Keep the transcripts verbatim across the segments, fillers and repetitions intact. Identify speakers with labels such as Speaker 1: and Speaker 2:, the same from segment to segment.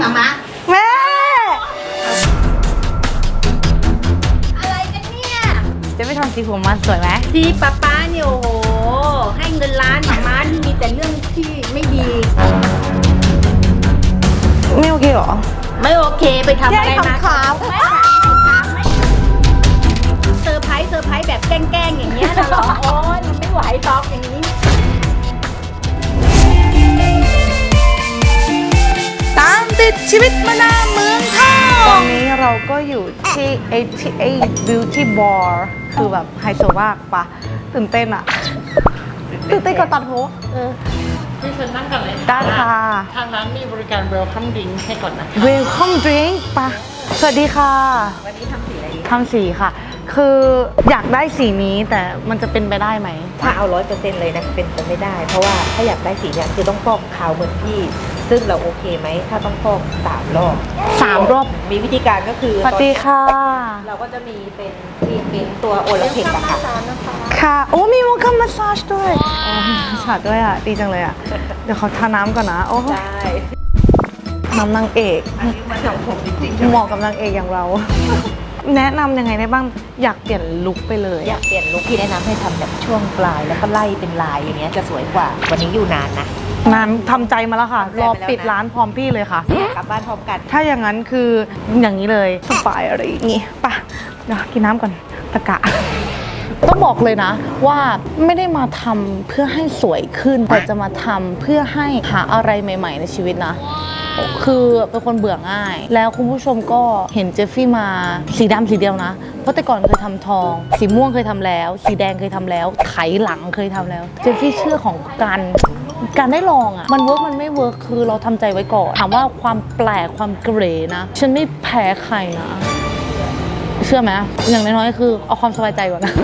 Speaker 1: หมามา
Speaker 2: แม่
Speaker 1: อะไรกันเนี่ย
Speaker 2: จะไม่ทำสีผมมันสวยไหม
Speaker 1: ที่ป้าป้าเนี่ยโอ้โหให้เงินล้านหมามานี่มีแต่เรื่องที่ไม่ดี
Speaker 2: ไม่โอเคหรอ
Speaker 1: ไม่โอเคไปทำอะไรมา
Speaker 2: ขาว
Speaker 1: ไม่ถามไม่ถามไม่เซอร์ไพรส์เซอร์ไพรส์แบบแกล้งๆอย่างเงี้ยนะหรอโอ้ยมันไม่ไหวตอกอย่างนี้
Speaker 2: ตามติดชีวิตมานาเมืองทองตอนนี้เราก็อยู่ที่ เอ ที เอ Beauty Bar คือแบบไฮโซมากปะตื่นเต้นอะตื่นเต้นกับตัดผมเออ
Speaker 3: พี่เชิญนั่งก่อนเลย
Speaker 2: ได้ค่ะ
Speaker 3: ทางร้านมีบริการ Welcome Drink ให้ก่อนนะ
Speaker 2: Welcome Drink ปะสวัสดีค่ะ
Speaker 1: วันนี้ทำสีอะไร
Speaker 2: ทำสีค่ะคืออยากได้สีนี้แต่มันจะเป็นไปได้ไหม
Speaker 1: ถ้าเอาร้อยเปอร์เซ็นต์เลยนะเป็นไปไม่ได้เพราะว่าถ้าอยากได้สีเนี่ยคือต้องฟอกขาวเหมือนพี่ซึ่งเราโอเคไหมถ้าต้องฟอกสามรอบ
Speaker 2: สามรอบ
Speaker 1: มีวิธีการก็คือ
Speaker 2: สวัสดีค่ะ
Speaker 1: เราก็จะมีเป็นทีมเป็นตัวโอลาเพกอะค่ะ
Speaker 2: ค่ะโอ้มีวอลคัมมาสซาจด้วยอ๋อมาสซาจด้วยอ่ะดีจังเลยอ่ะเดี๋ยวเขาทาน้ำก่อนนะโอ้
Speaker 1: ใช่
Speaker 2: น้ำนางเอก
Speaker 1: อันนี้มันของผมจริงๆ
Speaker 2: เหมาะกับนางเอกอย่างเราแนะนำยังไงได้บ้างอยากเปลี่ยนลุคไปเลย
Speaker 1: อยากเปลี่ยนลุคพี่แนะนำให้ทำแบบช่วงปลายแล้วก็ไล่เป็นลายอย่างเงี้ยจะสวยกว่าวันนี้อยู่นานนะ
Speaker 2: นานทำใจมาแล้วค่ะรอปิดร้านพร้อมพี่เลยค่ะ
Speaker 1: กลับบ้านพร้อมกัน
Speaker 2: ถ้าอย่างนั้นคืออย่างนี้เลยสบายอะไรอย่างงี้ป่ะเดี๋ยวกินน้ำก่อนตะกะต้องบอกเลยนะว่าไม่ได้มาทำเพื่อให้สวยขึ้นแต่จะมาทำเพื่อให้หาอะไรใหม่ๆในชีวิตนะคือเป็นคนเบื่อง่ายแล้วคุณผู้ชมก็เห็นเจฟฟี่มาสีดำสีเดียวนะเพราะแต่ก่อนเคยทำทองสีม่วงเคยทำแล้วสีแดงเคยทำแล้วไถหลังเคยทำแล้วเจฟฟี่เชื่อของการการได้ลองอ่ะมันเวิร์กมันไม่เวิร์กคือเราทำใจไว้ก่อนถามว่าความแปลกความเกรนะฉันไม่แพ้ใครนะเชื่อไหมอย่างน้อยๆคือเอาความสบายใจก่อนนะ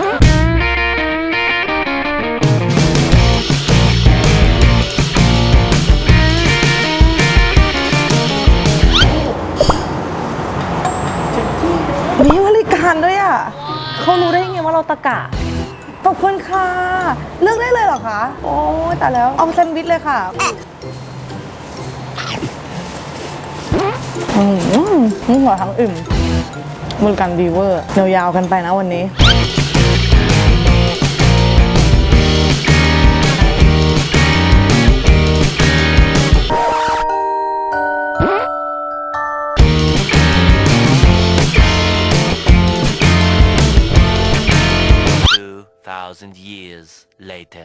Speaker 2: มีบริการด้วยอ่ะเขารู้ได้ไงว่าเราตะกะขอบคุณค่ะเลือกได้เลยเหรอคะโอ้แต่แล้วเอาแซนด์วิชเลยค่ะอืมนี่หัวทั้งอิ่มบริการดีเวอร์ยาวๆกันไปนะวันนี้
Speaker 4: Thousand years later.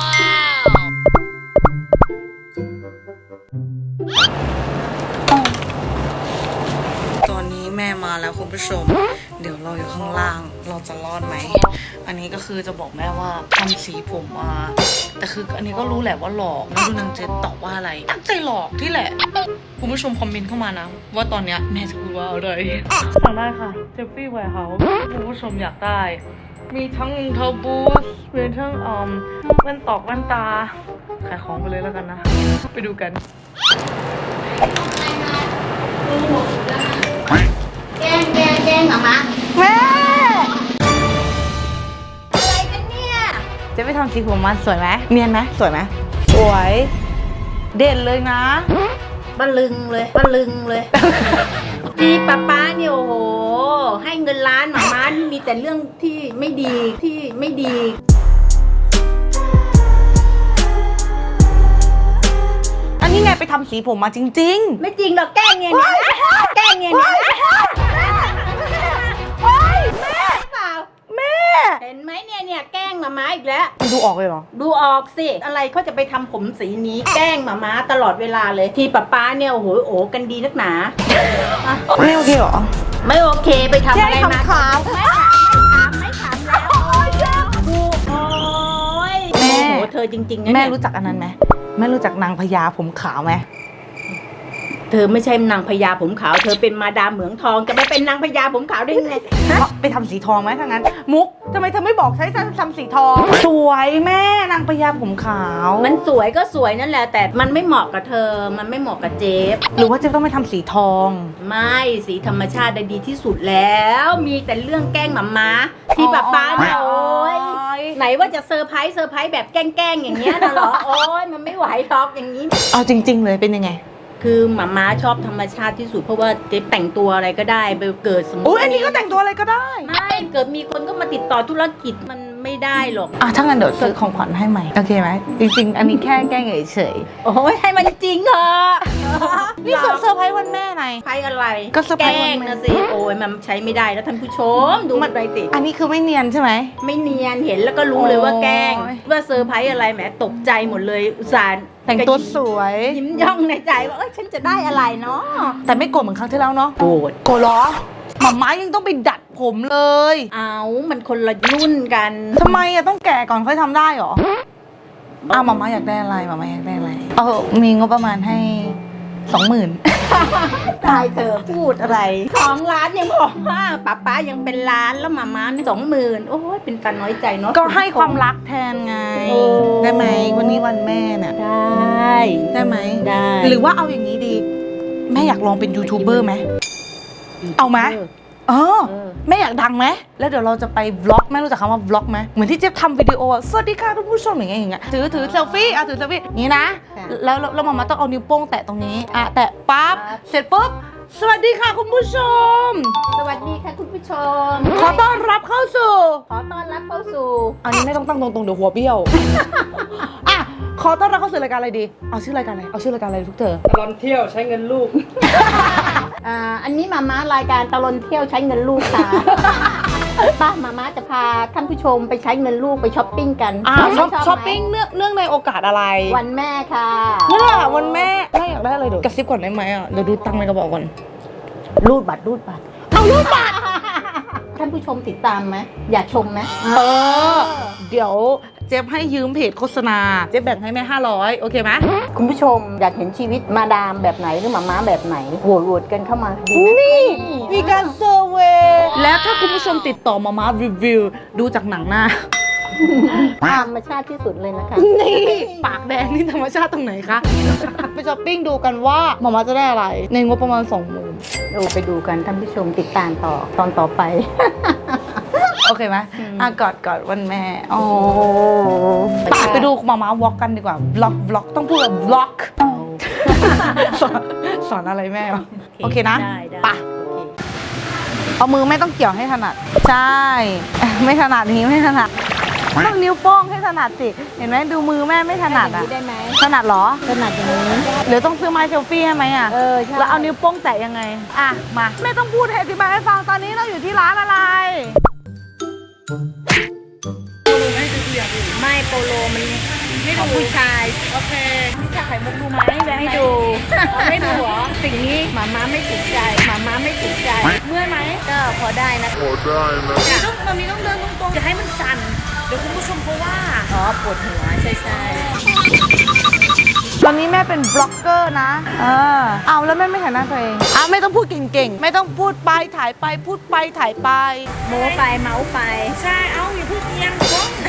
Speaker 2: ตอนนี้แม่มาแล้วคุณผู้ชมเดี๋ยวเราอยู่ข้างล่างเราจะรอดไหมอันนี้ก็คือจะบอกแม่ว่าทำสีผมมาแต่คืออันนี้ก็รู้แหละว่าหลอกไม่รู้นางเจนตอบว่าอะไรตั้งใจหลอกที่แหละคุณผู้ชมคอมเมนต์เข้ามานะว่าตอนเนี้ยแม่จะพูดว่าอะไรสั่งได้ค่ะเจฟฟี่แวร์เฮาส์คุณผู้ชมอยากได้มีทั้งรองเท้าบูทมีทั้งอ่อมแว่นตอกแว่นตาขายของไปเลยแล้วกันนะไปดูกัน
Speaker 1: แกล้งแกล้งแกล้งหมามา
Speaker 2: แม่
Speaker 1: อะไรกันเนี่ย
Speaker 2: จะไปทำสีผมมันสวยไหมเนียนไหมสวยไหมสวยเด่นเลยนะ
Speaker 1: บะลึงเลยบะลึงเลยที่ป้าป้าเนี่ยโอ้โหให้เงินล้านหมามานี่มีแต่เรื่องที่ไม่ดีที่ไม่ดี
Speaker 2: อันนี้ไงไปทำสีผมมาจริงๆ
Speaker 1: ไม่จริงหรอกแกล้งเงี้ยนะแกล้งเงี้ยนะ
Speaker 2: แม่
Speaker 1: เปล่า
Speaker 2: แม่
Speaker 1: เห็นไหมเนี่ยเนี่ยแกล้งหมามาอีกแล้ว
Speaker 2: มันดูออกเลยเหรอ
Speaker 1: ดูออกสิอะไรเขาจะไปทำผมสีนี้แกล้งหมามาตลอดเวลาเลยที่ป้าป้าเนี่ยโอ้โหโอ้กันดีนักหนา
Speaker 2: ไม่โอเคหรอ
Speaker 1: ไม่โอเคไปทำอะไรมา
Speaker 2: ขาว
Speaker 1: ไม่ถามไม่ถามไม่ถามแล้วดูโอ้ยแม่เธอจริงๆนะ
Speaker 2: แม่รู้จักอันนั้นไหมแม่รู้จักนางพญาผมขาวไหม
Speaker 1: เธอไม่ใช่นางพญาผมขาวเธอเป็นมาดามเหมืองทองจะไปเป็นนางพญาผมขาวได้ยังไง
Speaker 2: ไปทำสีทองไหมถ้างั้นมุกทำไมเธอไม่บอกใช้ทำสีทองสวยแม่นางพญาผมขาว
Speaker 1: มันสวยก็สวยนั่นแหละแต่มันไม่เหมาะกับเธอมันไม่เหมาะกับเจฟ
Speaker 2: หรือว่าเจฟต้องไปทำสีทอง
Speaker 1: ไม่สีธรรมชาติได้ดีที่สุดแล้วมีแต่เรื่องแกล้งหมาม้าที่ป้าป้าเนี่ยโอ้ยไหนว่าจะเซอร์ไพรส์เซอร์ไพรส์แบบแกล้งๆอย่างเงี้ยนะหรอโอ้ยมันไม่ไหวทอกอย่างนี้
Speaker 2: เอาจริงๆเลยเป็นยังไง
Speaker 1: คือหมาม้าชอบธรรมชาติที่สุดเพราะว่าเจ๊แต่งตัวอะไรก็ได้ไปเกิดสมมติ
Speaker 2: โอ้ยอันนี้ก็แต่งตัวอะไรก็ได้
Speaker 1: ไม่เกิดมีคนก็มาติดต่อธุรกิจมันไม่ได้หรอก
Speaker 2: อ่ะถ้างั้นเดี๋ยวซื้อของขวัญให้ใหม่โอเคไหมจริงๆ อันนี้แค่แกล้งเฉย
Speaker 1: โอ้ยให้มันจริงเถอะ
Speaker 2: ๆนี่เซอร์ไพรส์วันแม่ไง
Speaker 1: ใช้อะไร
Speaker 2: ก็เซอร์ไพรส์
Speaker 1: แกล้
Speaker 2: วั
Speaker 1: ง
Speaker 2: นแม่
Speaker 1: นะสิโอ้ยมันใช้ไม่ได้แล้วท่านผู้ชมดูมันไปสิ
Speaker 2: อันนี้คือไม่เนียนใช่ไหม
Speaker 1: ไม่เนียนเห็นแล้วก็รู้เลยว่าแกล้ง
Speaker 2: โอ้ย
Speaker 1: ว่าเซอร์ไพรส์อะไรแหมตกใจหมดเลยอุตส่าห์
Speaker 2: แต่งตัวสวย
Speaker 1: ยิ้มย่องในใจว่าเอ้ยฉันจะได้อะไรเนาะ
Speaker 2: แต่ไม่โกรธเหมือนครั้งที่แล้วเนาะ
Speaker 1: โกรธ
Speaker 2: โกรธเหรอหมาม้ายังต้องไปดัดผมเลย
Speaker 1: เอามันคนละรุ่นกัน
Speaker 2: ทำไมอะต้องแก่ก่อนค่อยทำได้เหรออ้าวหมาม้าอยากได้อะไรหมาม้าอยากได้อะไรเออมีงบประมาณให้สองหมื่น
Speaker 1: ตายเธอพูดอะไรของร้านยังบอกว่าป้าป้ายังเป็นร้านแล้วมาม่าสองหมื่นโอ้ยเป็นตาน้อยใจเนาะ
Speaker 2: ก็ให้ความรักแทนไง
Speaker 1: โอ้
Speaker 2: ได้ไหมวันนี้วันแม่เนี่ย
Speaker 1: ได้
Speaker 2: ได้ไหม
Speaker 1: ได้
Speaker 2: หรือว่าเอาอย่างนี้ดี แม่อยากลองเป็นยูทูบเบอร์ไหม เอาไหม เออ
Speaker 1: เออ
Speaker 2: แม่อยากดังไหมแล้วเดี๋ยวเราจะไปวล็อกแม่รู้จักคำว่าวล็อกไหมเหมือนที่เจ๊บทำวิดีโออะสวัสดีค่ะคุณผู้ชมอย่างเงี้ยอย่างเงี้ยถือถือเซลฟี่อ่ะถือเซลฟี่อย่างนี้นะ แล้วแล้วแล้วมามาต้องเอานิ้วโป้งแตะตรงนี้อ่ะแตะปั๊บเสร็จปุ๊บสวัสดีค่ะคุณผู้ชม
Speaker 1: สวัสดีค่ะคุณผู้ชม
Speaker 2: ขอต้อนรับเข้าสู่
Speaker 1: ขอต้อนรับเข้าสู่
Speaker 2: อันนี้ไม่ต้องตั้งตรงๆเดี๋ยวหัวเบี้ยว อ่ะขอต้อนรับเข้าสู่รายการอะไรดีเอาชื่อรายการอะไรเอาชื่อรายการอะไรทุกเธอ
Speaker 3: ตลอดเที่ยวใช้เงินลูก
Speaker 1: อ่าอันนี้มาม่ารายการตลอนเที่ยวใช้เงินลูกค่ะ ป้ามาม่าจะพาท่านผู้ชมไปใช้เงินลูกไปช้อปปิ้งกัน
Speaker 2: อ่า
Speaker 1: ไม่
Speaker 2: ช้อป
Speaker 1: ไหม
Speaker 2: ช้อปปิ้งเนื่องเนื่องในโอกาสอะไร
Speaker 1: วันแม่ค่ะ
Speaker 2: เนี่ยวันแม่แม่อยากได้อะไรเดี๋ยวกระซิบก่อนได้ไหมอ่ะเดี๋ยวดูตังค์ในกระบอกก่อน
Speaker 1: รูดบัตรรูดบัตร
Speaker 2: เอารูดบัตร
Speaker 1: ท่านผู้ชมติดตามไหมอยากชมไหม
Speaker 2: เออ เดี๋ยวเจ๊บให้ยืมเพจโฆษณา เจ๊บแบ่งให้แม่ห้าร้อยโอเคไหม
Speaker 1: คุณผู้ชมอยากเห็นชีวิตมาดามแบบไหนหรือหมาม้าแบบไหนโหวตโหวตกันเข้ามาดีไหม
Speaker 2: นี่มีการเซอร์เวย์แล้วถ้าคุณผู้ชมติดต่อมามารีวิว ดูจากหนังหน้า
Speaker 1: ธรรมชาติที่สุดเลยนะคะ
Speaker 2: นี่ปากแดงนี่ธรรมชาติตรงไหนคะ ไปช้อปปิ้งดูกันว่ามามาจะได้อะไร ในงบประมาณสองหมื่น
Speaker 1: เราไปดูกันท่านผู้ชมติดตามต่อตอนต่อไป
Speaker 2: โอเคไหม
Speaker 1: อืม
Speaker 2: อ่ะกอดกอดวันแม่โอ้
Speaker 1: ไป
Speaker 2: ไป
Speaker 1: ค่ะ
Speaker 2: ไปดูมามาวอล์กกันดีกว่าบล็อกบล็อกต้องพูดแบบบล็อก สอนสอนอะไรแม่วะโอเคนะ
Speaker 1: ได้ได้
Speaker 2: ไป
Speaker 1: โอเค
Speaker 2: เอามือไม่ต้องเกี่ยวให้ถนัด ใช่ ไม่ถนัดนี้ไม่ถนัดต้องนิ้วโป้งให้ถนัดสิ เห็นไหมดูมือแม่ไม่ถนัด
Speaker 1: อย่า
Speaker 2: อ่ะ
Speaker 1: งนี้ได้ไหม
Speaker 2: ถนัดเหรอ
Speaker 1: ถนัดอย่างนี้
Speaker 2: หรือต้องซื้อไม้เซลฟี่ให้ไหมอ่ะ
Speaker 1: เออใช่
Speaker 2: แล้วเอานิ้วโป้งแตะยังไง อ่ะ มา ไม่ต้องพูดให้อธิบายให้ฟังตอนนี้เราอยู่ที่ร้านอะไร
Speaker 1: ไม่โปโลมันไม่ดูผู้ชาย
Speaker 2: โอเคนี่จะไข่มุกดูไหมแบงค์
Speaker 1: ไม่
Speaker 2: ไหน
Speaker 1: ดู
Speaker 2: ไม่ดูเหรอ
Speaker 1: สิ่งนี้หมาม้าไม่ถูกใจหมาม้าไม่ถูกใจ
Speaker 2: เมื่อยไหม
Speaker 1: ก็พอได้นะ
Speaker 2: ต้องมันมีต้องเดินตรงๆอย่าให้มันสั่น เดี๋ยวคุณผู้ชมเขาว่า
Speaker 1: อ๋อปวดหัวใช่ใช่
Speaker 2: ตอนนี้แม่เป็นบล็อกเกอร์นะเออเอาแล้วแม่ไม่ถ่ายหน้าตัวเองอ่ะไม่ต้องพูดเก่งๆ ไม่ต้องพูดไปถ่ายไปพูดไปถ่ายไป
Speaker 1: โม้ไปเมาส์ไป
Speaker 2: ใช่ เอาอย่าพูดเอียง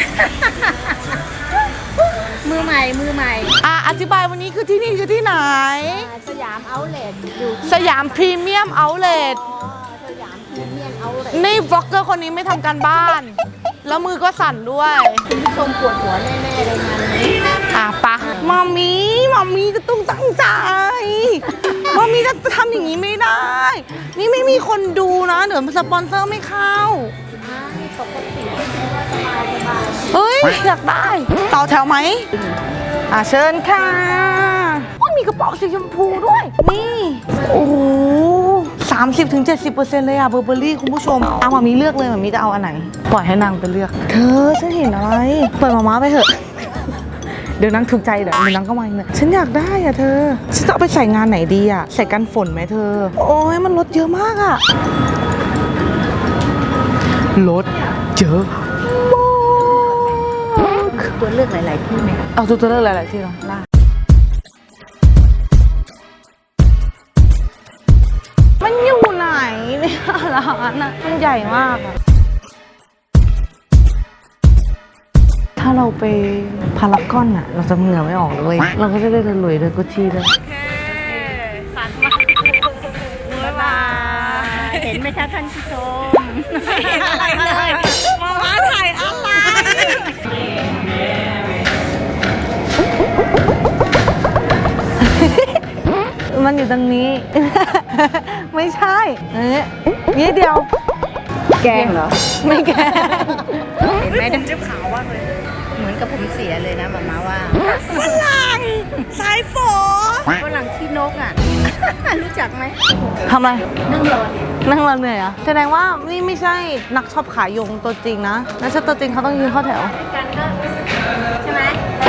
Speaker 1: มือใหม่มือใหม่
Speaker 2: อ่ะอธิบายวันนี้คือที่นี่คือที่ไหน
Speaker 1: อ่าสยามเอาท์เลทอยู่ที่
Speaker 2: สยามพรีเมียมเอาท์เลท
Speaker 1: อ๋อสยามพรีเมียมเอาท์เลท
Speaker 2: นี่บล็อกเกอร์คนนี้ไม่ทำการบ้าน แล้วมือก็สั่นด้วย
Speaker 1: คุณผู้ชมปวดหัวแน่ๆเลยงานนี้
Speaker 2: อ่ะปะมามีมามีจะต้องตั้งใจ มามีจะทำอย่างนี้ไม่ได้ นี่ไม่มีคนดูนะเดี๋ยวสปอนเซอร์ไม่เข้า
Speaker 1: อ่าปกติสบายสบาย
Speaker 2: เฮ้ย อยากได้ ต่อแถวไหม อ่ะเชิญค่ะโอ้ยมีกระเป๋าสีชมพูด้วย นี่ โอ้โหสามสิบถึงเจ็ดสิบเปอร์เซ็นต์เลยอะเบอร์เบอรี่คุณผู้ชม เอามามีเลือกเลยมามีจะเอาอันไหน ปล่อยให้นางไปเลือก เธอฉันเห็นอะไร ปล่อยมาม้าไปเถอะ เดี๋ยวนางถูกใจเดี๋ยวเดี๋ยวนางก็มาอีกเนี่ยฉันอยากได้อะเธอ ฉันจะเอาไปใส่งานไหนดีอะใส่กันฝนไหมเธอ โอ้ยมันลดเยอะมากอะลดเยอะมาก
Speaker 1: ตัวเลือกหลายๆที่ไหม
Speaker 2: เอาตัวตัวเลือกหลายๆที่เนาะได้มันอยู่ไหนเนี่ยร้านอะมันใหญ่มากอะถ้าเราไปพารากอนอะเราจะเหงื่อไม่ออกเลยเราก็จะได้เดินลุยเดินกุชชี่ด้วยโอเคฝันมาบ๊ายบาย
Speaker 1: เห็นไหมคะท่านผู้ชม
Speaker 2: เห็นอะไรเลยมาว่าถ่ายอะไรมันอยู่ตรงนี้ ไม่ใช่เอ๊ะนี่เดียว
Speaker 1: แกงเหรอ
Speaker 2: ไม่แก
Speaker 1: เห็นไหมผมจะขาวมากเลย เหมือนกับผมเสียเลยนะหมามาว่า
Speaker 2: ฝรั่งสายฝอ
Speaker 1: ฝรั่งขี้นกอ่ะ รู้จักไหม
Speaker 2: ทำอะไร
Speaker 1: นั่งรอเนี่ย
Speaker 2: นั่งรอเหนื่อยเหรอ่ะแสดงว่านี่ไม่ใช่นักชอบขายยงตัวจริงนะนักชอบตัวจริงเขาต้องยืนเข้าแถว
Speaker 1: กันก็ใช่ไหม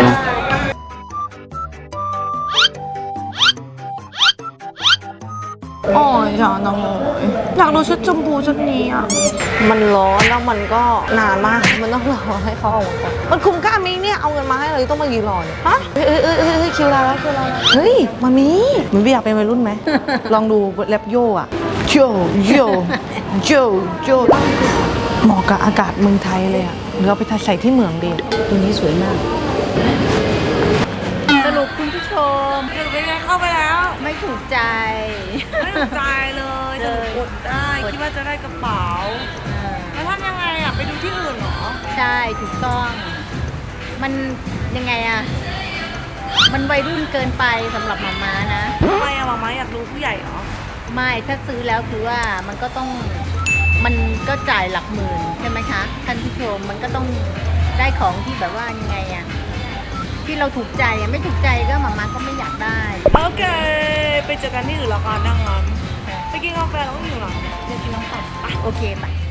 Speaker 2: อ๋ออยากน้องอยากดูชุดชมพูชุดนี้อ่ะ มันร้อนแล้วมันก็นานมาก มันต้องรอให้เขาออกมาก่อนมันคุ้มค่าไหมเนี่ย เอาเงินมาให้เลยต้องมายืนรอเนี่ยฮะเฮ้ยเฮ้ยเฮ้ยเฮ้ยคิวเราแล้วคิวเราแล้วเฮ้ยมามีมันไม่อยากเป็นวัยรุ่นไหม ลองดูแรปโย่อะโยโยโยโยเหมาะกับอากาศเมืองไทยเลยอะหรือเอาไปใส่ที่เมืองดีตัวนี้สวยมาก
Speaker 1: สรุปคุณผู้ชม
Speaker 2: คือเป็นไงเข้าไปแล้ว
Speaker 1: ไม่ถูกใจ
Speaker 2: ไม่ถูกใจเลยจะอดได้คิดว่าจะได้กระเป๋าแล้วทำยังไงอ่ะไปดูที่อื่นเหรอ
Speaker 1: ใช่ถูกต้อง มันยังไงอะมันวัยรุ่นเกินไปสำหรับหมาม้านะ
Speaker 2: ทำไมอะมาม่าอยากดูผู้ใหญ่เหรอ
Speaker 1: ไม่ถ้าซื้อแล้วคือว่ามันก็ต้องมันก็จ่ายหลักหมื่นใช่ไหมคะท่านผู้ชมมันก็ต้องได้ของที่แบบว่ายังไงอะที่เราถูกใจอะไม่ถูกใจก็หมาม้าก็ไม่อยากได้
Speaker 2: โอเค ไปเจอกันที่อื่นแล้วกันดังนั้นไปกินกาแฟแล้วก็อยู่หลัง
Speaker 1: เดี๋ยวกินน้องไข่โอเคไป